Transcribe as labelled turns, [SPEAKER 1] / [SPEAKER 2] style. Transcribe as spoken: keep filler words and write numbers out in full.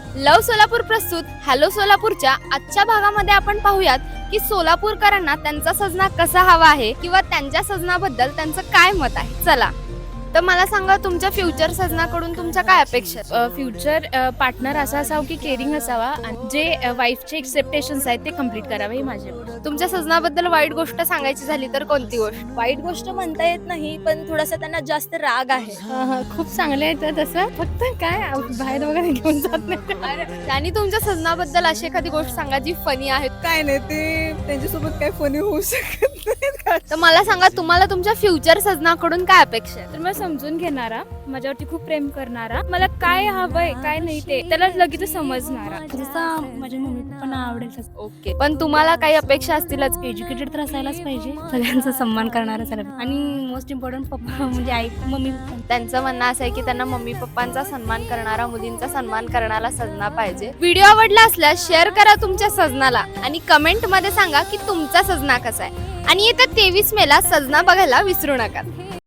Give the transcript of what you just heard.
[SPEAKER 1] लव सोलापूर प्रस्तुत हॅलो सोलापूरच्या आजच्या भागामध्ये आपण पाहूयात की सोलापूरकरांना त्यांचा सजना कसा हवा आहे किंवा त्यांच्या सजनाबद्दल त्यांचं काय मत आहे. चला तर मला सांगा, तुमच्या फ्युचर सजनाकडून तुमच्या काय अपेक्षा आहेत?
[SPEAKER 2] फ्युचर पार्टनर असा असावा की केअरिंग असावा आणि जे वाईफचे एक्सेप्टेशन्स आहेत ते कम्प्लीट करावे ही माझे.
[SPEAKER 1] तुमच्या सजनाबद्दल वाईट गोष्ट सांगायची झाली तर कोणती गोष्ट?
[SPEAKER 3] वाईट गोष्ट म्हणता येत नाही, पण थोडासा त्यांना जास्त राग आहे.
[SPEAKER 2] खूप चांगले आहेत तसं, फक्त काय बाहेर वगैरे घेऊन जात नाही.
[SPEAKER 1] त्यांनी तुमच्या सजनाबद्दल अशी एखादी गोष्ट सांगा जी फनी आहे.
[SPEAKER 3] काय नाही, ते त्यांच्यासोबत काय फनी होऊ शकत नाही.
[SPEAKER 1] तर मला सांगा, तुम्हाला तुमच्या फ्युचर सजनाकडून काय अपेक्षा आहे?
[SPEAKER 2] तर मला समजून घेणारा, माझ्यावरती खूप प्रेम करणारा, मला काय हवंय काय नाही ते त्याला लगेच समजणारा,
[SPEAKER 4] जसं माझ्या मम्मी पप्पांना आवडेल तसं.
[SPEAKER 1] ओके, पण तुम्हाला काही अपेक्षा असतीलच.
[SPEAKER 4] एज्युकेटेड तर असायलाच पाहिजे, सगळ्यांचा सन्मान करणारा सगळं, आणि मोस्ट इम्पॉर्टंट पप्पा म्हणजे आई मम्मी पप्पा.
[SPEAKER 1] त्यांचं म्हणणं असं आहे की त्यांना मम्मी पप्पांचा सन्मान करणारा, मुलींचा सन्मान करणारा सजना पाहिजे. व्हिडिओ आवडला असल्यास शेअर करा तुमच्या सजनाला आणि कमेंट मध्ये सांगा की तुमचा सजना कसा आहे. आणि येत्या तेवीस मेला सजना बघायला विसरू नका.